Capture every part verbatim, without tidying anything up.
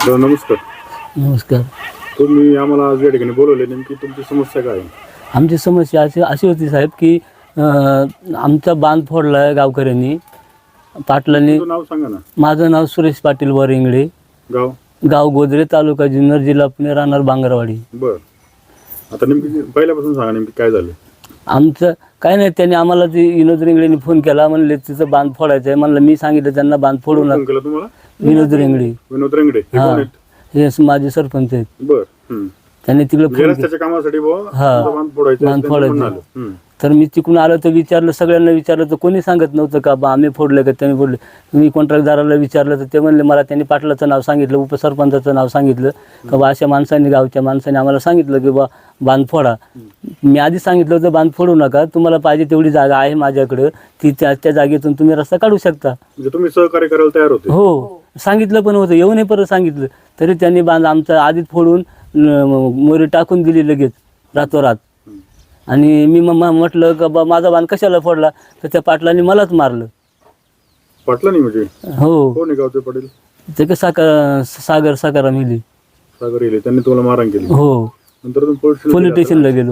तर नमस्कार. नमस्कार. तुम्ही आम्हाला आज या ठिकाणी बोलवले, नेमकी तुमची समस्या काय आहे? आमची समस्या अशी अशी होती साहेब की अं, आमचा बांध फोडला आहे गावकऱ्यांनी, पाटलांनी. तुमचं नाव सांगा ना. माझं नाव सुरेश पाटील वरिंगडे, गाव गाव गोदरे, तालुका जुन्नर, जिल्हा पुणे, राहणार बांगरवाडी. बर. आता नेमकी पहिल्यापासून सांगा नेमकी काय झालं. आमचं काय नाही, त्यांनी आम्हाला ती विनोद रिंगडेंनी फोन केला, म्हणले तिचं बांध फोडायचं आहे. म्हणलं मी सांगितलं त्यांना बांध फोडू फोन नका. केला तुम्हाला? विनोद रिंगडे, विनोद रंगडे हे हा, कोण आहेत? हे माझे सरपंच आहेत. बर. हम्म. त्यांनी तिकडे म्हणजे फोन रस्त्याच्या कामासाठी बुवा हा. तुमचं बांध फोडायचं बांध आहे, त्यांचं म्हणणं फोडायचं. आलं. हम्म. तर मी तिकडून आलो तर विचारलं, सगळ्यांना विचारलं तर कोणी सांगत नव्हतं का बा आम्ही फोडलं का त्यांनी फोडले. मी कॉन्ट्रॅक्टदाराला विचारलं तर ते म्हणले, मला त्यांनी पाटलाचं नाव सांगितलं, उपसरपंचाचं नाव सांगितलं का बा अशा माणसांनी, गावच्या माणसांनी आम्हाला सांगितलं की बा बांध फोडा. मी आधी सांगितलं होतं बांध फोडू नका, तुम्हाला पाहिजे तेवढी जागा आहे माझ्याकडं, ती त्या त्या जागेतून तुम्ही रस्ता काढू शकता. म्हणजे तुम्ही सहकार्य करायला तयार होते? हो, सांगितलं पण होतं, येऊन परत सांगितलं तरी त्यांनी बांध आमचा आधीच फोडून मोरी टाकून दिली लगेच रातोरात. आणि मी मग म्हटलं का बा माझा बांध कशाला फोडला, तर त्या पाटलांनी मलाच मारलं. पाटला नाही म्हणजे हो, कोण आहे गावचे पाटील? ते का साकार सागर साकारा मिली. सागर येले, त्यांनी तुम्हाला मारहाण केली. हो, नंतर तुम्ही पोलीस पोलीस स्टेशनला गेलो.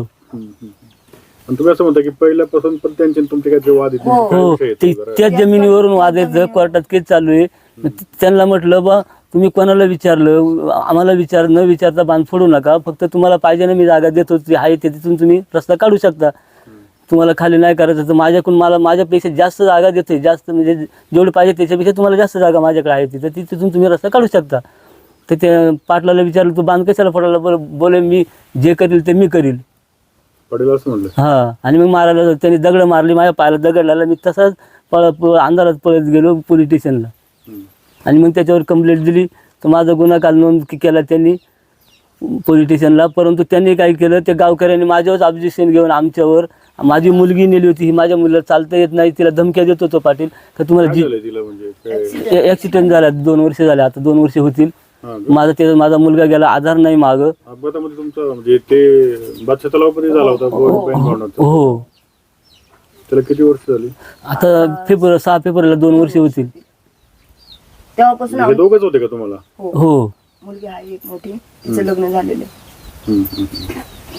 आणि तुम्ही असं म्हणता की पहिल्यापासून पण त्यांचे आणि तुमचे काय वाद आहेत? हो, काय विषय आहेत ते जरा? त्याच जमिनीवरून वाद आहेत, कोर्टात केस चालू आहे. त्यांना म्हटलं बा तुम्ही कोणाला विचारलं, आम्हाला विचार न विचारता बांध फोडू नका, फक्त तुम्हाला पाहिजे ना मी जागा देतो, ती आहे ते तिथून तुम्ही रस्ता काढू शकता. तुम्हाला खाली नाही करायचं तर माझ्याकडून मला माझ्यापेक्षा जास्त जागा देते, जास्त म्हणजे जेवढी पाहिजे त्याच्यापेक्षा तुम्हाला जास्त जागा माझ्याकडे आहे तिथं, ती तिथून तुम्ही रस्ता काढू शकता. तर ते पाटलाला विचारलं, तू बांध कशाला फोडायला? बरं, बोले मी जे करील ते मी करील. पाटील असं म्हणलं. हां, आणि मग मारायला त्यांनी दगड मारली, माझ्या पायाला दगड लागला. मी तसाच पळ पळ अंधारात पळत गेलो पोलीस स्टेशनला. आणि मग त्याच्यावर कंप्लेंट दिली, तर माझा गुन्हा काल नोंद केला त्यांनी पोलीस स्टेशनला. परंतु त्यांनी काय केलं, त्या गावकऱ्यांनी माझ्यावरच ऑब्जेक्शन घेऊन आमच्यावर, माझी मुलगी नेली होती, ही माझ्या मुलीला चालता येत नाही, तिला धमक्या देत होतो पाटील का तुम्हाला काय जी झालंय तिला म्हणजे काय? ॲक्सिडेंट झाला, दोन वर्ष झाले, आता दोन वर्ष होतील. हा का? माझा ते माझा मुलगा गेला, आधार नाही मागं. अपघातामध्ये तुमचं म्हणजे ते बादशाह तलावामध्ये झाला होता बो- बहीण भावनाचा. हो, त्याला किती वर्ष झाली? आता फेब्रुवारी सहा फेब्रुवारीला दोन वर्ष होतील. तेव्हापासून म्हणजे हे दोघंच होते का तुम्हाला? हो, मुलगी आहे एक मोठी, तिचं लग्न झालेलं आहे. हम्म, हम्म.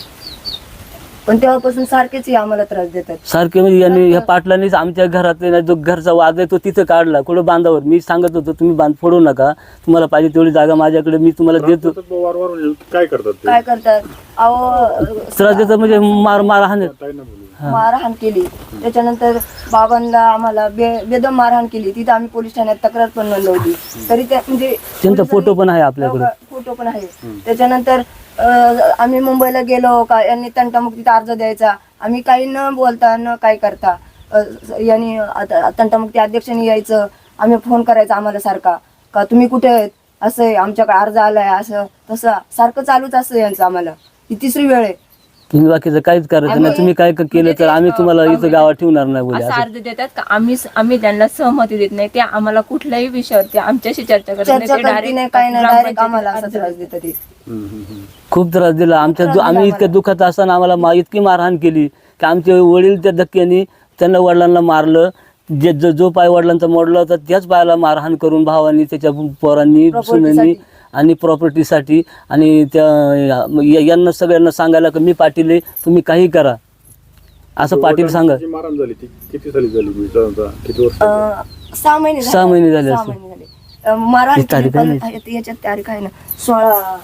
पण तेव्हापासून सारखेच हे आम्हाला त्रास देतात. सारखे म्हणजे यांनी ह्या पाटलांनीच आमच्या घरात जो घरचा वाद आहे तो तिथं काढला, कुठं बांधावर. मी सांगत होतो तुम्ही बांध फोडू नका, तुम्हाला पाहिजे तेवढी जागा माझ्याकडे मी तुम्हाला देतो. सतत वारंवार म्हणजे काय करतात ते? काय करतात, अहो त्रास देतात म्हणजे मार मार हाणत. काय नाही बोलू. मारहाण केली. त्याच्यानंतर बाबांना आम्हाला बे बेदम मारहाण केली. तिथं आम्ही पोलीस ठाण्यात तक्रार पण नोंदवली. तरी त्या म्हणजे त्यांचा फोटो पण आहे आपल्याकडे. फोटो पण आहे. त्याच्यानंतर अं, आम्ही मुंबईला गेलो का यांनी तंटामुक्तीचा अर्ज द्यायचा, आम्ही काही न बोलता न काय करता अं, यांनी आता तंटामुक्ती अध्यक्षांनी यायचं, आम्ही फोन करायचा आम्हाला सारखा का तुम्ही कुठे आहेत, असं आहे आमच्याकडे अर्ज आलाय, असं तसं सारखं चालूच असतं यांचं. आम्हाला ही तिसरी वेळ आहे. तुम्ही बाकीचं काहीच करायचं नाही, तुम्ही काय केलं तर आम्ही तुम्हाला इथं गावात ठेवणार नाही बोले. असा अर्ज देतात का आम्ही आम्ही त्यांना सहमती देत नाही, ते आम्हाला कुठल्याही विषयावरती आमच्याशी चर्चा करत चर्चा करते नाही, काय नाही, डायरेक्ट आम्हाला असा त्रास देतात ते. हम्म, हम्म, हम्म. खूप त्रास दिला आमच्या दु- आम्ही इतक्या दुःखात असताना आम्हाला मा इतकी मारहाण केली की आमचे वडील त्या धक्क्याने त्यांना वडिलांना मारलं. जे जो जो पाय वडिलांचा मोडला होता त्याच पायाला मारहाण करून भावांनी, त्याच्या पोरांनी, सुनांनी आणि प्रॉपर्टीसाठी. आणि त्या या- यांना सगळ्यांना सांगायला की मी पाटील आहे, तुम्ही काही करा असं पाटील सांगा. जी मारहाण झाली ती किती साली झाली म्हणजे साधारणतः किती वर्ष? अं, सहा महिने झाले. सहा महिने झाले सहा असतील. महिने झाले. अं, मारहाण ही तारीख केली, आहे पण याच्यात तारीख आहे ना सोळा.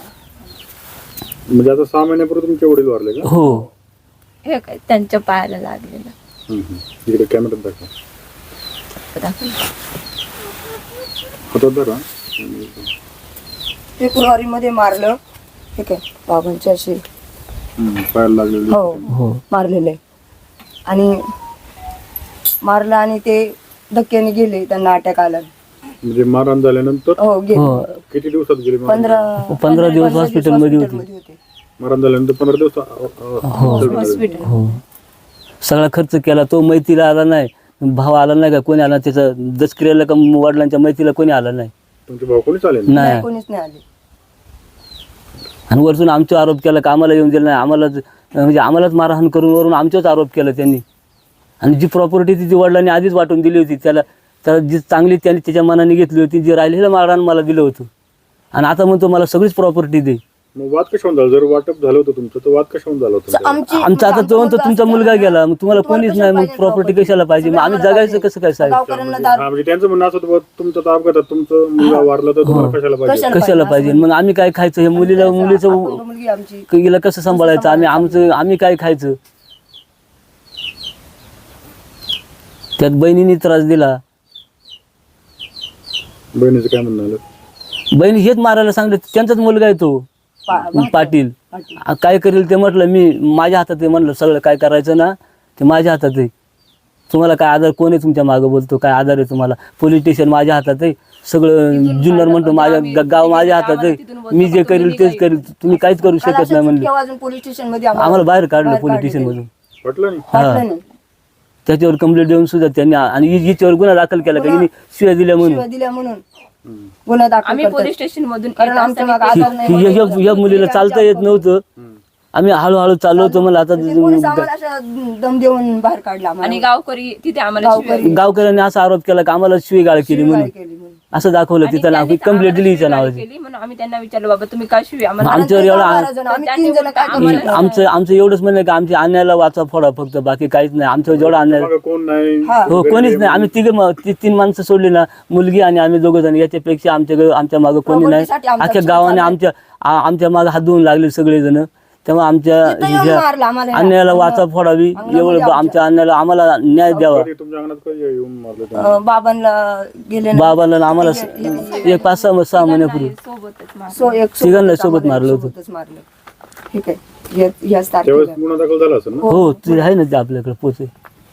म्हणजे आता सहा महिन्यापूर्वी तुमचे वडील वारले का? हो, हे काय त्यांच्या पायाला लागलेलं. हम्म, हम्म. इकडे कॅमेऱ्यात दाखवा. दाखव. हातात धरा. फेब्रुवारी मध्ये मारलं. ठीक आहे, बाबांच्या अशी हम्म, पायाला लागलेली. हो हो, मारलेले आणि मारलं आणि ते धक्क्याने गेले, त्यांना अटॅक आला. म्हणजे मारहाण झाल्यानंतर हो गेले. हो, किती दिवसात गेले? मारहाण? पंधरा पंधरा दिवस हॉस्पिटलमध्ये होती. होते. मारहाण झाल्यानंतर पंधरा दिवस अ- अ- हॉस्पिटलमध्ये. हो, सगळा खर्च केला. तो मैतीला आला नाही, भाव आला नाही का, कोणी आला त्याचं दसक्रियाला का वडिलांच्या मैतीला कोणी आला नाही. तुमचे भाऊ कोणी चालेल? नाही, नाही. कोणीच नाही आले. आणि वरतून आमच्यावर आरोप केला का आम्हाला येऊन दिलं नाही, आम्हाला म्हणजे आम्हालाच मारहाण करून वरून आमच्याच आरोप केला त्यांनी. आणि जी प्रॉपर्टी ती वडिलांनी आधीच वाटून दिली होती त्याला, त्याला जी चांगली त्यांनी त्याच्या मनाने घेतली होती, जी राहिलेलं मारहाण मला दिलं होतं. आणि आता म्हणतो मला सगळीच प्रॉपर्टी दे. मग वाद कशावरून झाला? जर वाटप झालं होतं तुमचं तर वाद कशावरून झालं होतं? आमची आमचा आता तो म्हणतो तुमचा मुलगा गेला, मग तुम्हाला कोणीच नाही, मग प्रॉपर्टी कशाला पाहिजे, मग आम्ही जगायचं कसं काय साहेब? गावकऱ्यांना हा, दारू म्हणजे त्यांचं म्हणणं असं होतं, बुवा, तुमचं तर अपघातात तुमचं मुलगा वारला तर तुम्हाला कशाला पाहिजे? कशाला कशाला पाहिजे? मग आम्ही काय खायचं? हे मुलीला मुलीचं अपंग मुलगी आमची हिला कसं सांभाळायचं? आम्ही आमचं आम्ही काय खायचं? त्यात बहिणीने त्रास दिला. बहिणीचं काय म्हणणं आलं? बहिणी हेच मारायला सांगले, त्यांचाच मुलगा आहे तो पा- पाटील. पाटील. आ, काय करेल ते म्हटलं, मी माझ्या हातात आहे म्हणलं, सगळं काय करायचं ना ते माझ्या हातात आहे. तुम्हाला काय आधार, कोण आहे तुमच्या मागं बोलतो, काय आधार आहे तुम्हाला? पोलीस स्टेशन माझ्या हातात आहे, सगळं जुन्नर म्हणतो माझ्या ग- गाव माझ्या हातात आहे, मी जे करेल तेच करेल, तुम्ही काहीच करू काल शकत अशा नाही म्हणले. चुटक्या वाजून पोलीस स्टेशन मध्ये आम्हाला बाहेर काढलं बाहेर पोलीस काढलं स्टेशन मधून. वाटलं नाही? वाटलं नाही. त्याच्यावर कंप्लेंट देऊन सुद्धा त्यांनी, आणि हि- हिच्यावर गुन्हा दाखल केला का हिने शिव्या दिल्या म्हणून. शिव्या दिल्या म्हणून गुन्हा दाखल आम्ही करतात. पोलीस स्टेशन मधून कारण येत आमच्या असताना मागे आधार नाही. हि- हि- हि- हि मुलीला चालता येत नव्हतं, आम्ही हळूहळू चाललो होतो. मला आता म्हणजे पोलीस आम्हाला अशा दम देऊन बाहेर काढला आम्हाला. आणि गावकरी तिथे आम्हाला शिव्या गावकरी गावकऱ्यांनी असा आरोप केला की आम्हाला शिवीगाळ केली म्हणून, केली म्हणून. असं दाखवलं आणि तिथं नाव, त्यांनी कंप्लेंट दिली आम्हाला हिच्या शिवीगाळ नावाची. केली म्हणून आम्ही त्यांना विचारलं, बाबा तुम्ही काय शिवी आम्हाला आमच्यावर आणि ते एवढा बारा जण, आम्ही तीन जण काय करू आम्हाला- शकतो? आमचं आमचं एवढंच म्हणणं आहे की आमच्या अन्यायाला वाचा फोडा फक्त, बाकी काहीच नाही. आमचं जेवढा अन्याय मागं कोण नाही? हा. हो कोणीच नाही. आम्ही तिघे म- ती- तीन माणसं सोडली ना, मुलगी आणि आम्ही दोघं जण, याच्यापेक्षा आमच्या आमच्या मागं कोणी नाही. प्रॉपर्टीसाठी आमचा अख्ख्या जीव गावाने चाललाय. आमच्या आ- आमच्या मागं हात धुवून लागले सगळेजण. तेव्हा आमच्या तिथं येऊन ह्या मारलं आम्हाला. अन्यायाला वाचा फोडावी, एवढं आमच्या अन्यायाला आम्हाला न्याय द्यावा. कधी तुमच्या अंगणात कधी येऊन मारलं त्यांनी? अं, बाबांना गेले ना. बाबाला आणि आम्हाला स- एक पाच सहा सहा महिन्यापूर्वी सोबतच मार- सो एक सोबतच तिघांना सोबत आम्हाला मारलं होतं. सोबतच मारलं. ठीक आहे. या- याच त्यावेळेस तारखेला गुन्हा दाखल झाला असेल ना? हो ते आहे ना, ते आपल्याकडे पोचे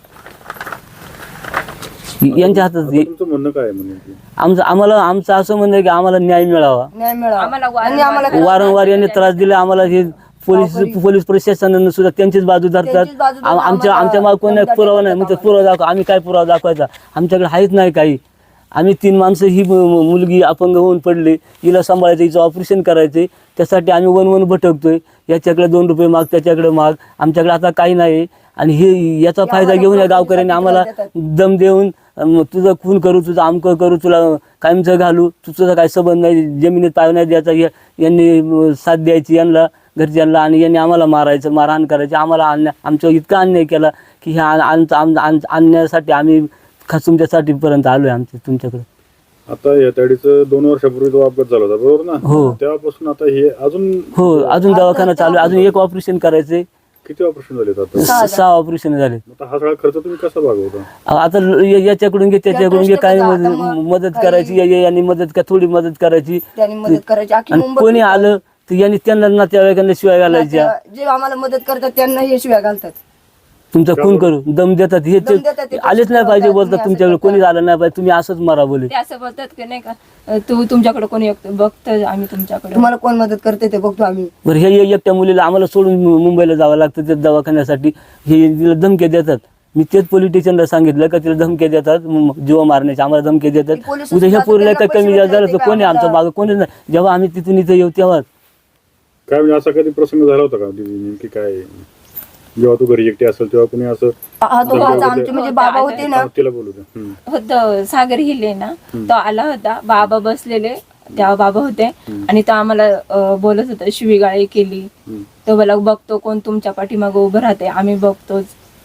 यांच्या हातात. आता तुमचं म्हणणं काय आहे म्हणजे? आमचं आम्हाला आमचं असं म्हणणं आहे की आम्हाला न्याय मिळावा. न्याय मिळावा. आम्हाला आणि आम्हाला वारंवार यांनी त्रास दिला आम्हाला. हे पोलीस पोलीस प्रशासनानं सुद्धा त्यांचीच बाजू धरतात. त्यांचीच बाजू धरून आम- आमच्या आम्हाला आमच्या मागे कोणी दमदाटी पुरावा नाही, करतात म्हणजे पुरावा दाखवा. आम्ही काय पुरावा दाखवायचा? आमच्याकडे आहेच नाही काही. आम्ही तीन माणसं, ही मु- मु- मुलगी अपंग होऊन पडली, हिला सांभाळायचं, हिचं ऑपरेशन करायचं, त्यासाठी आम्ही वन वन भटकतोय. याच्याकडे दोन रुपये माग, त्याच्याकडे माग, आमच्याकडे आता काही नाही. आणि हे याचा फायदा घेऊन या गावकऱ्यांनी आम्हाला दम देऊन, अं, तुझं खून करू, तुझं आमकं करू, तुला कायमचं घालू, तुझा काही संबंध नाही, जमिनीत पाय नाही द्यायचा, या- यांनी अं, साथ द्यायची यांना, घरच्यांना, आणि यांनी आम्हाला मारायचं, मारहाण करायची. आम्हाला अन्याय, आमच्या इतका अन्याय केला की ह्या आम- आम- आम- अन्यायासाठी आम्ही खास तुमच्यासाठी पर्यंत आलोय आमच्या तुमच्याकडे. आता या ताडीचं दोन वर्षापूर्वी जो अपघात झाला होता बरोबर ना? हो. तेव्हापासून आता हे अजून हो, अजून दवाखाना चालू आहे, अजून एक ऑपरेशन करायचंय. किती ऑपरेशन झाले आता? स- सहा ऑपरेशन झाले. आता हा सगळा खर्च तुम्ही कसा भागवता? आता ल- या- याच्याकडून घे, त्याच्याकडून घे, काही आता मदत मग मदत काही- करायची, या- या- यांनी मदत का थोडी मदत करायची. त्यांनी मदत करायची. अख्खी आणि मुंबई कोणी आलं तर यांनी त्यांना नातेवाईकांना शिवाय घालायच्या, जे आम्हाला मदत करतात त्यांना हे शिव्या घालतात. तुमचा खून करू, दम देतात. हे दम देतात, ते ते आलेच नाही पाहिजे बोलतात, तुम्ही असं तुमच्याकडे करता. कोणी आलं नाही पाहिजे, तुम्ही असंच मारा बोले. ते असं बोलतात की नाही का, अं, तू तुमच्याकडे कोणी येतं, बघतं आम्ही तुमच्याकडे. तुम्हाला कोण मदत करते ते बघतो आम्ही. बरं, हे हे एकट्या मुलीला आम्हाला सोडून मु- मुंबईला जावं लागतं ते दवाखान्यासाठी. हे तिला धमके देतात. मी तेच पोलीस स्टेशनला सांगितलं का तिला धमके देतात, म- जीव मारण्याचे आम्हाला धमके देतात. ती पोलीस उद्या ह्या सुद्धा पोरीला त्यांना काय कमी पैसे झालं भेटतात तर कोणी ते आमचं आम्हाला- मागं कोणी नाही. जेव्हा आम्ही तिथून इथं येऊ तेव्हा काय म्हणजे असा कधी प्रसंग झाला होता का दीदी? नेमकी काय, जेव्हा तू घरी एकटी असेल तेव्हा कोणी असं? हा तो माझा आमचे म्हणजे बाबा होते ना. तिला बोलू द्या. हम्म. होतं सागर हिले ना, तो आला होता, बाबा बसलेले, तेव्हा बाबा होते, आणि तो आम्हाला अं, बोलत होता, शिवीगाळी केली. हम्म. तो मला बघतो कोण तुमच्या पाठीमागं उभं राहते, आम्ही बघतोच,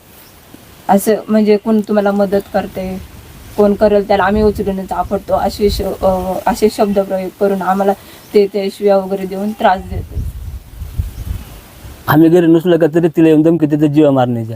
असं म्हणजे कोण तुम्हाला मदत करते, कोण करेल त्याला आम्ही उचलून आपडतो, असे श- अं, असे शब्द प्रयोग करून आम्हाला ते ते शिव्या वगैरे देऊन त्रास देतो. आम्ही घरी नसलो का तरी तिला येऊन धमकी देतात जीवा मारण्याच्या.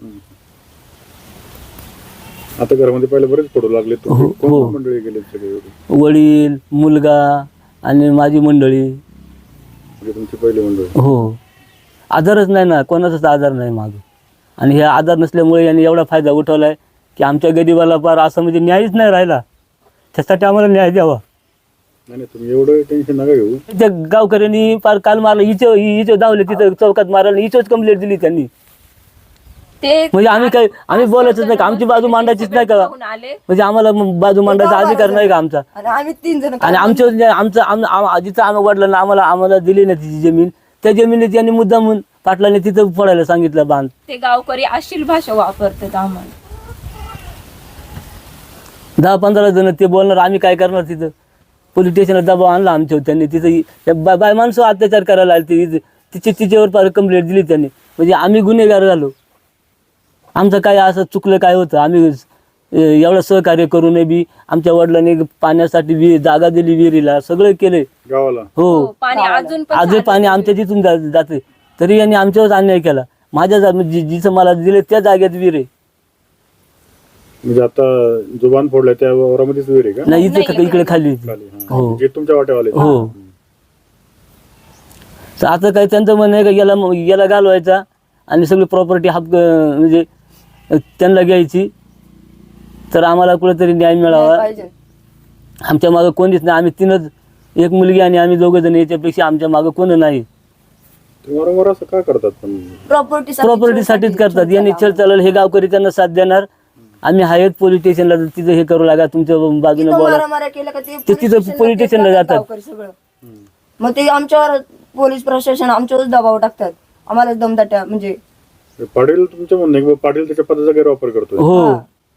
आता घरामध्ये पहिले बरेच फोटो लागले. हो, तुम्ही कोण हो. कोण मंडळी गेले सगळे एवढे? वडील, मुलगा आणि माझी मंडळी. म्हणजे तुमची पहिली मंडळी? हो, आधारच नाही ना, कोणाचाच आधार नाही मागे. आणि हे आधार नसल्यामुळे यांनी एवढा फायदा उठवलाय की आमच्या गरीबाला पार असं म्हणजे न्यायच नाही राहिला. त्यासाठी आम्हाला न्याय द्यावा. नाही नाही, तुम्ही एवढं टेन्शन नका घेऊ. त्या गावकऱ्यांनी पार काल मारलं, हिचं हिचं धावले तिथं चौकात मारायला, हिचंच कंप्लेंट दिली त्यांनी. ते म्हणजे आम्ही काय आम्ही बोलायचंच नाही का, आमची बाजू मांडायचीच नाही का, बघून आले. म्हणजे आम्हाला मग बाजू मांडायचा अधिकार नाही का आमचा? आणि आम्ही तीन जण आणि आमच्या जे- आमचं आम- आम- जिथं आम्ही वडिलांना आम्हाला आम्हाला दिली ना तिची जमीन, त्या जमिनीत यांनी मुद्दाम म्हणून पाटलाने तिथं फोडायला सांगितलं बांध. ते गावकरी अशील भाषा वापरतात आम्हाला. दहा पंधरा जण ते बोलणार, आम्ही काय करणार तिथं? पोलीस स्टेशनला दबाव आणला आमच्यावर त्यांनी. तिथं त्या बा- बाय माणसं अत्याचार करायला आले तिथे, तिचे तिच्यावर पार कंप्लेंट दिली त्यांनी. म्हणजे आम्ही गुन्हेगार झालो. आमचं काय असं चुकलं काय होतं, आम्ही अं, एवढं सहकार्य करूनही बी आमच्या वडिलांनी पाण्यासाठी विहीर जागा दिली, विहिरीला सगळं केले. गावाला हो, पाणी अजून पण आजही पाणी आमच्या तिथून जा- जाते, तरी यांनी आमच्यावर अन्याय केला. माझ्या जा- जि- जिथं मला दिले त्या जागेत विहीर आहे. म्हणजे आता जो बांध फोडलाय त्या वावरामध्येच विहीर आहे का? नाही इथे इकडे खाली होती. खाली, हा. हो. जे तुमच्या वाट्यावाले आहेत. हो. तर आता काय त्यांचं म्हणणं आहे का याला याला घालवायचा आणि सगळी प्रॉपर्टी हक्क म्हणजे त्यांना घ्यायची, तर आम्हाला कुठेतरी न्याय मिळावा. पाहिजे. आमच्या मागं कोणीच नाही, आम्ही तीनच, एक मुलगी आणि आम्ही दोघं जण, याच्यापेक्षा आमच्या मागं कोण नाही. ते वारंवार असं का करतात पण? प्रॉपर्टी प्रॉपर्टीसाठीच करतात. यांनी चल चालेल हे गावकरी त्यांना साथ देणार. आम्ही आहेत पोलीस स्टेशनला, तिथं हे करू लागा, तुमच्या बाजूने बोला. मारामाऱ्या केल्या का ते ते तिथं police पोलीस station स्टेशनला ला जातात. गावकरी सगळं. मग ते आमच्यावर पोलीस प्रशासन आमच्यावर दबाव टाकतात, आम्हाला दमदाट्या म्हणजे. पाटील तुमचं म्हणणं आहे की बा पाटील त्याच्या पदाचा गैरवापर करतोय. हो,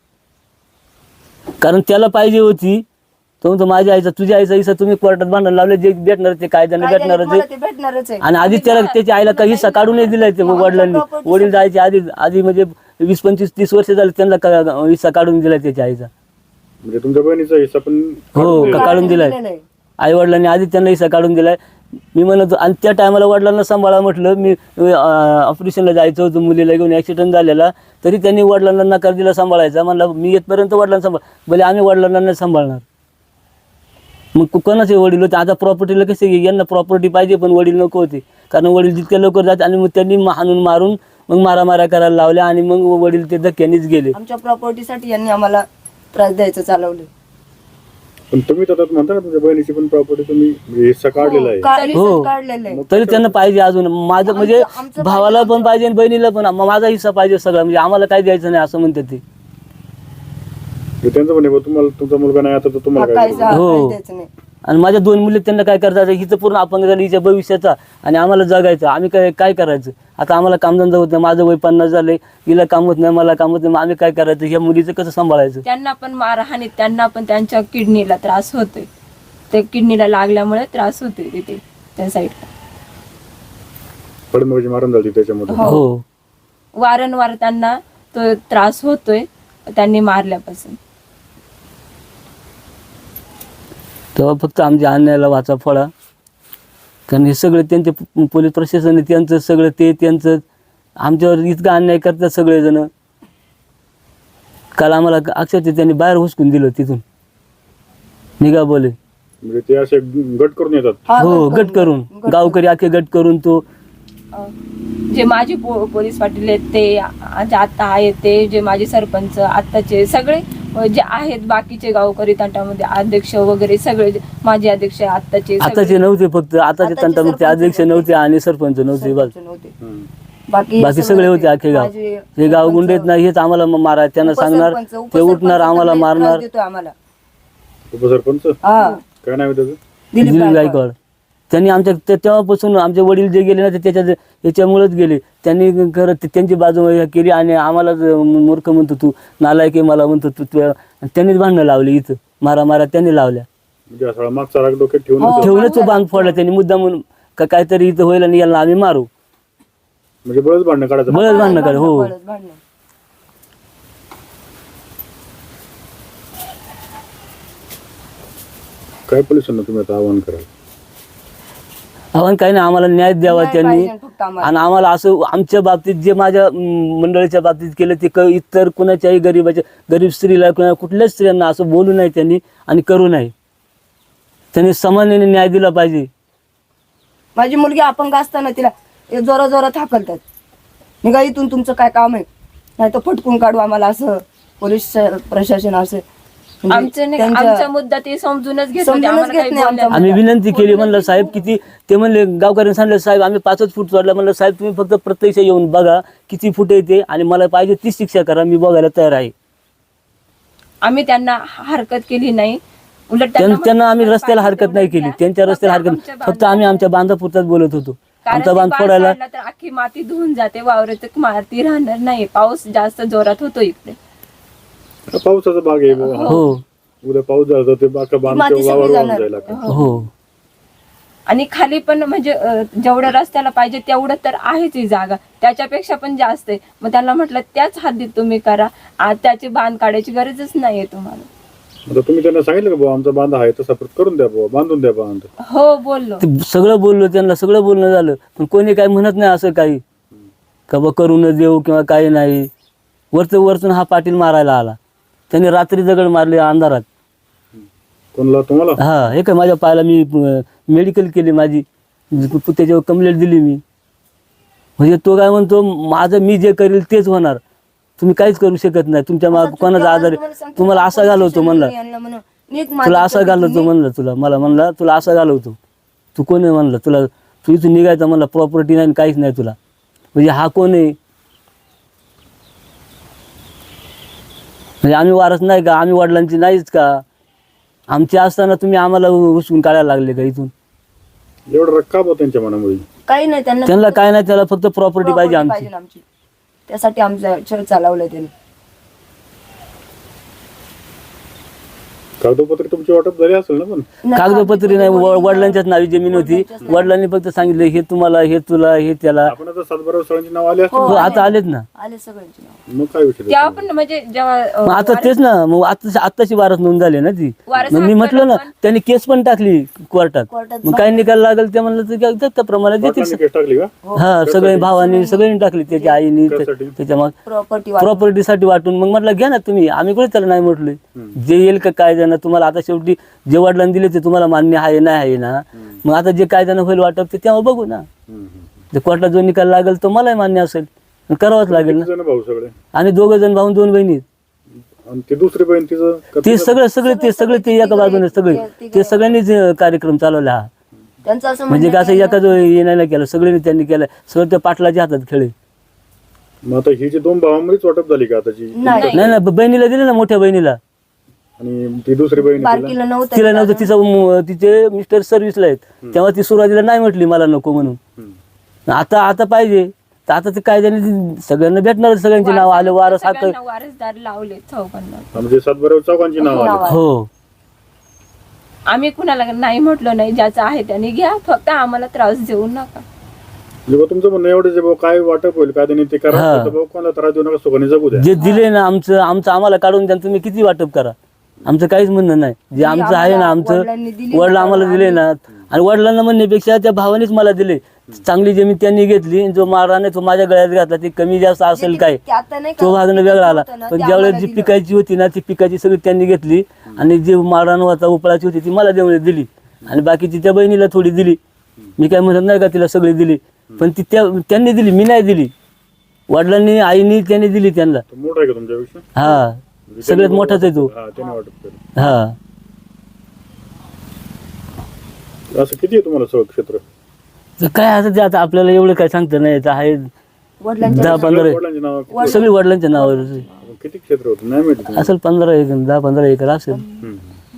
कारण त्याला पाहिजे होती. तो म्हणतो माझ्या आईचा तुझ्या आईचा हिस्सा तुम्ही कोर्टात भांडण लावले, जे भेटणार ते कायद्याने भेटणारच मला आहे. ते भेटणारच आहे. आणि आधी त्याला त्याच्या आईला काही हिस्सा काढूनही दिलाय ते वडिलांनी. वडील जायचे आधी आधी म्हणजे वीस पंचवीस तीस वर्ष झाले त्यांना का- हिस्सा काढून दिलाय त्याच्या आईचा. म्हणजे तुमच्या बहिणीचा हिस्सा पण हो, काढून का- काढून दिलाय. दिलेलं आहे. आई वडिलांनी आधी त्यांना हिस्सा काढून दिलाय. मी म्हणतो, आणि त्या टायमाला वडिलांना सांभाळा म्हटलं, मी ऑपरेशनला जायचं होतं, मुलीला घेऊन ऍक्सिडेंट झालेला, तरी त्यांनी वडिलांना नकार दिला सांभाळायचा. म्हणलं मी येतपर्यंत वडिलांना सांभाळ, भले आम्ही वडिलांना नाही सांभाळणार. मग को- कोणाचे वडील होते? आता प्रॉपर्टीला कसे, यांना प्रॉपर्टी पाहिजे पण वडील नको होते, कारण वडील जितक्या लवकर जाते. आणि मग त्यांनी हाणून मारून मग मारामाऱ्या करायला लावल्या, आणि मग वडील ते धक्क्यानेच गेले. आमच्या प्रॉपर्टीसाठी यांनी आम्हाला त्रास द्यायचं चालवलं. पण तुम्ही तर आता म्हणता ना तुमच्या बहिणीची पण प्रॉपर्टी तुम्ही म्हणजे हिस्सा काढलेला आहे. का- हो. रिसर्च काढलेलं आहे. तरी त्यांना पाहिजे अजून. माझं म्हणजे आमचं भावाला पण पाहिजे आणि बहिणीला पण, म- माझा हिस्सा पाहिजे सगळा, म्हणजे आम्हाला काय द्यायचं नाही असं म्हणतात ते. म्हणजे त्यांचं म्हणे बा तुम्हाला तुमचा मुलगा नाही आता तर तुम्हाला काय काहीच करू? हो. द्यायचं नाही. आणि माझ्या दोन मुली त्यांना काय करतात, हिचं पूर्ण अपंग झालं हिच्या भविष्याचा, आणि आम्हाला जगायचं. आम्ही काय काय करायचं? आता आम्हाला कामधंदा होत नाही, माझं वय पन्नास झालंय, हिला काम होत नाही, मला काम होत नाही, मग आम्ही काय करायचं? ह्या मुलीचं कसं सांभाळायचं? त्यांना पण मारहाणीत त्यांना पण त्यांच्या किडनीला त्रास होतोय. ते किडनीला लागल्यामुळे त्रास होतोय तिथे त्या साईडला. फडणवीस मारून झाली त्याच्यामध्ये. हो, वारंवार त्यांना तो त्रास होतोय त्यांनी मारल्यापासून. तेव्हा फक्त आमच्या अन्यायाला वाचा फळा. कारण हे सगळे त्यांचे प- पोलीस प्रशासन आहे, त्यांचं सगळं ते त्यांचं आमच्यावर इतका अन्याय करतात सगळेजण. काल आम्हाला अक्षरशः त्यांनी बाहेर हुसकून दिलं तिथून, निघा बोले. म्हणजे ते असे गट करून येतात. हा, हो, गट करून, गावकरी अख्खे गट करून. तो अं, जे माजी पो पोलीस पाटील आहेत ते आ- जे आता आहेत ते, जे माजी सरपंच आत्ताचे सगळे अं, जे आहेत बाकीचे गावकरी तंटामध्ये अध्यक्ष वगैरे सगळे जे माजी अध्यक्ष आत्ताचे सगळे- आताचे नव्हते, फक्त आताचे आताचे तंटामुक्ती सरपंच अध्यक्ष नव्हते. नव्हते आणि सरपंच नव्हते. बस सरपंच नव्हते. हम्म. बाकी बाकी सगळे होते अख्खे गाव. माझे हे गाव सरपंच, गुंडेत नाही, हेच आम्हाला मारा, त्यांना सांगणार, उपसरपंच, ते उपसरपंच उठणार, आम्हाला सगळे त्रास मारणार. देतोय आम्हाला. उपसरपंच हा, काय नाव आहे त्याचं? दिलीप दिलीप गायकवाड. गायकवाड. त्यांनी आमच्या ते- तेव्हापासून आमचे वडील जे गेले ना ते त्याच्या याच्यामुळेच गेले. त्यांनी खरं ते- त्यांची बाजू हे केली, आणि आम्हाला मूर्ख म्हणतो तू, नालायक आहे मला म्हणतो तू, तू- आणि त्यांनीच भांडणं लावली इथं, मारा मारा त्यांनी लावल्या. म्हणजे असा मागचा राग डोक्यात ठेवून हो. ठेवूनच तो बांध फोडला त्यांनी मुद्दा म्हणून, का काहीतरी इथं होईल आणि याला आम्ही मारू, म्हणजे बळच भांडणं काढायचं. बळच भांडणं काढ. हो, बळच भांडणं. काय पोलिसांना तुम्ही आता आवाहन कराल? आव्हान काही नाही, आम्हाला न्याय द्यावा न्याय त्यांनी. पाहिजे फक्त आम्हाला. आणि आम्हाला असं आमच्या बाबतीत जे माझ्या अं, मंडळीच्या बाबतीत केलं ते क- इतर कुणाच्याही गरीबाच्या गरीब स्त्रीला किंवा कुठल्याच स्त्रियांना असं बोलू नये त्यांनी, आणि करू नये. त्यांनी समानाने न्याय दिला पाहिजे. माझी मुलगी अपंग असताना तिला जोरा जोरात हाकलतात, निघा इथून, तुमचं काय काम आहे, नाही तर फटकून काढू आम्हाला, असं पोलीस प्रशासन असं म्हणजे आमचं नाही त्यांच्या- आमचा मुद्दा ते समजूनच घेत होते. समजूनच आम्हाला घेत काही नाही बोलल्या- आमचा आम्ही विनंती केली, म्हणलं साहेब किती, ते म्हणले गावकऱ्यांनी सांगितलं साहेब आम्ही पाचच फूट सोडला. म्हणलं साहेब तुम्ही फक्त प्रत्यक्ष येऊन बघा किती फूट येते, आणि मला पाहिजे ती शिक्षा करा, मी बघायला तयार आहे. आम्ही त्यांना हरकत केली नाही, उलट त्यां- त्यांना त्यांना आम्ही म्हटलं रस्त्याला पाहिजे हरकत नाही तेवढं केली, द्या. त्यांच्या रस्त्याला फक्त हरकत, आमच्या फक्त आम्ही आमच्या बांधापुरताच बोलत होतो. कारण आमचा ते बांध पाऊस फोडायला पडला तर अख्खी माती धुवून जाते, वावरात माती राहणार नाही. पाऊस जास्त जोरात होतो इकडे. पावसाचा भाग आहे बुवा. हो, उद्या पाऊस झाला तर ते बाका बांध माती किंवा सगळी वावर वाहून जाणार. जायला लागतं. हो आणि खाली पण म्हणजे अं, जेवढं रस्त्याला पाहिजे तेवढं तर आहेच ही जागा, त्याच्यापेक्षा पण जास्त आहे. मग त्यांना म्हटलं त्याच हद्दीत तुम्ही करा, आज त्याची बांध काढायची गरजच नाहीये तुम्हाला. आता तुम्ही त्यांना सांगितलं का बुवा आमचा बांध आहे तसा परत करून द्या बुवा, बांधून द्या बांध. हो बोललो. ते सगळं बोललो त्यांना, सगळं बोलणं झालं, पण कोणी काही म्हणत नाही असं काही का बा करून देऊ किंवा काही नाही. वरचं वरतून हा पाटील मारायला आला, त्यांनी रात्री दगड मारले अंधारात. कोणला तुम्हाला? हा हे काय माझ्या पायाला मी मेडिकल केली माझी, त्याच्यावर कंप्लेंट दिली मी. म्हणजे तो काय म्हणतो माझं मी जे करेल तेच होणार, तुम्ही काहीच करू शकत नाही, तुमच्या माग कोणाचा आधार आहे, तुम्हाला असा घालवतो म्हणला, तुला असा घालवतो म्हणलं, तुला मला म्हणला तुला असा घालवतो, तू कोण आहे म्हणलं, तुला तू इथून निघायचं म्हणला, प्रॉपर्टी नाही काहीच नाही तुला. म्हणजे हा कोण आहे? म्हणजे आम्ही वारस नाही का, आम्ही वडिलांची नाहीच का, आमची असताना तुम्ही आम्हाला उचलून काढायला लागले का इथून? एवढं रक्का बुवा त्यांच्या मनामध्ये. काही नाही त्यांना त्यांना काय नाही, त्याला फक्त प्रॉपर्टी पाहिजे property आमची. पाहिजे आमची, त्यासाठी आमचं छळ चालवलं त्यांनी. कागदपत्र तुमची वाटप झाली असेल ना? पण कागदपत्री नाही, व- वडिलांच्याच नावी जमीन होती, वडिलांनी फक्त सांगितलं हे तुम्हाला, हे तुला, हे त्याला. आपण आता सातबारा सरांची नाव आली असतील हो, आता आलेत ना. आले सगळ्यांची नाव. ना? मग काय विषय तेव्हा पण म्हणजे जेव्हा अं, मग आता तेच ना, मग आता आत्ताची वारस नोंद झाली ना ती. वारस मग मी हक्क म्हटलं ना, पण- त्यांनी केस पण टाकली कोर्टात. कोर्टात मग काय निकाल लागेल ते म्हणलं तर काय त्याप्रमाणे देतील. पाटलांनी केस टाकली का? हा सगळे भावानी सगळ्यांनी टाकली, त्याच्या आईनी त्यासाठी? त्याच्या मग प्रॉपर्टी प्रॉपर्टीसाठी वाटून. मग म्हटलं घ्या ना तुम्ही, आम्ही कुठे त्याला नाही म्हटलोय. जे येईल का कायद्यानं तुम्हाला, आता शेवटी जे वडिलांनी दिले ते तुम्हाला मान्य आहे नाही आहे ना, मग आता जे कायद्यानं होईल वाटप ते तेव्हा बघू ना. ते कोर्टात जो निकाल लागेल तो मलाही मान्य असेल, करावाच लागेल ना. किती जण भाऊ सगळे? आणि दोघं जण भाऊन दोन बहिणी, आणि ती दुसरी बहीण तिचं का ते तिचं? सगळे सगळे ते सगळे ते एका बाजूने सगळे ते सगळ्यांनीच अं, कार्यक्रम चालवला हा. त्यांचं असं म्हणजे म्हणणं कसं एका जो येण्याला केलं, सगळ्यांनी त्यांनी केलं, सगळं त्या पाटलाच्या हातात खेळे. मग आता ही जी दोन भावांमध्येच वाटप झाली का आताची? नाही नाही नाही बहिणीला दिले ना, मोठ्या बहिणीला. आणि ती दुसरी बहीण तिला? बारकीला नव्हतं. तिला नव्हतं, तिचा म- तिचे मिस्टर सर्व्हिसला आहेत, तेव्हा ती सुरुवातीला नाही म्हटली मला नको म्हणून. हम्म. आता आता पाहिजे तर आता ते कायद्याने ती सगळ्यांना भेटणार, सगळ्यांची नाव आले, वारस हक्क. सगळ्यांना वारसदार लावले चौघांना. म्हणजे सातबारा चौघांची नाव आली. हो आम्ही कुणाला नाही म्हटलो नाही, ज्याचं आहे त्याने घ्या, फक्त आम्हाला त्रास देऊ नका. म्हणजे बुवा तुमचं म्हणणं एवढं जे भाऊ काय वाटप होईल काय त्यांनी ते करा, हा. फक्त भाऊ कोणाला त्रास देऊ नका, सुखाने जगू द्या. जे दिले ना आमचं आमचं आम्हाला काढून द्या, तुम्ही किती वाटप करा, आमचं काहीच म्हणणं नाही. जे आमचं आहे ना, आमचं वडिलांनी दिली वडील ना, आम्हाला दिले ना, आणि वडिलांना म्हणण्यापेक्षा त्या भावानेच मला दिले. चांगली जमीन त्यांनी घेतली, जो माराने तो माझ्या गळ्यात घातला, ते कमी जास्त असेल काय ते आता नाही का, तो भागणं वेगळा आला. होतं ना, पण ते ज्यावेळेस आम्हाला जी दिलं. पिकायची होती ना, ती पिकाची सगळी त्यांनी घेतली, आणि जी मारान होता उपळाची होती ती मला देऊन दिली, आणि बाकीची त्या बहिणीला थोडी दिली. मी काय म्हणत नाही का तिला सगळी दिली, पण ती त्या त्यांनी दिली, मी नाही दिली. वडिलांनी आईनी त्यांनी दिली त्यांना. तो मोठा आहे का तुमच्यापेक्षा? हा म्हणजे सगळ्यात त्यांनी मोठाच आहे तो. हा त्याने वाटप केलं. हा असं किती आहे तुम्हाला सगळं क्षेत्र? तर काय आता ते आता आपल्याला एवढं काय सांगता नाही येत आहे. वडिलांच्या दहा पंधरा वडिलांची नाव सगळी वडिलांच्या नावावर किती क्षेत्र होतं नाही माहिती तुम्हाला? असेल, पंधरा एकर दहा पंधरा एकर असेल. हम्म.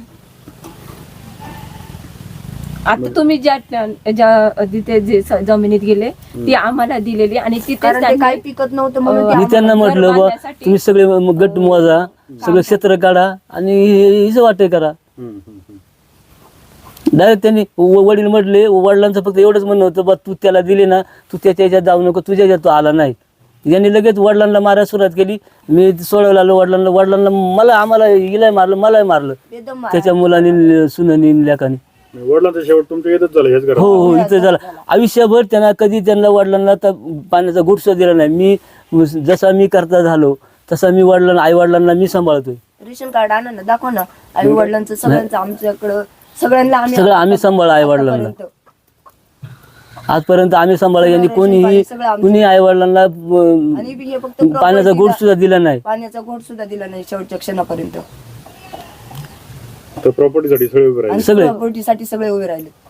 आता तुम्ही ज्या ज्या तिथे जे स- जमिनीत गेले ती आम्हाला दिलेली, आणि तिथे कारण ते काही पिकत नव्हतं म्हणून ते मी त्यांना घर म्हटलं बा बांधण्यासाठी- तुम्ही सगळे म- गट मोजा, सगळं क्षेत्र काढा आणि हिचं वाटे करा. हम्म, हम्म, हम्म. डायरेक्ट त्यांनी व- वडील म्हटले, वडिलांचं फक्त एवढंच म्हणणं होतं बा तू त्याला दिले ना, तू त्याच्या ह्याच्यात जाऊ नको, तुझ्या ह्याच्यात तो आला नाही. यांनी लगेच वडिलांना मारायला सुरुवात केली. मी सोडवलं आलो वडिलांना, वडिलांना मला आम्हाला हिलाही मारलं, मलाही मारलं, बेदम मारा. त्याच्या मुलांनी सुनानी लेकानी. वडिलांचा शेवट तुमच्या येतच झालं हेच हो घरात. हो इथं झालं. आयुष्यभर त्यांना कधी त्यांना वडिलांना तर पाण्याचा गुटसा दिला नाही. मी जसा मी करता झालो तसा मी वडिलांना आई वडिलांना मी सांभाळतोय. रेशन कार्ड आणा ना, दाखवा ना आई वडिलांचं सगळ्यांचं आमच्याकडं सगळ्यांना आम्ही सगळं आम्ही सांभाळ आई वडिलांना. आतापर्यंत. आजपर्यंत आम्ही सांभाळ, यांनी कोणीही सगळं आमचं. कुणी आई वडिलांना आणि हे फक्त पाण्याचा property गुट ला- सुद्धा दिला नाही. पाण्याचा घोट सुद्धा दिला नाही शेवटच्या क्षणापर्यंत. तर प्रॉपर्टीसाठी सगळे उभे राहिले. आणि सगळे. प्रॉपर्टीसाठी सगळे उभे राहिले.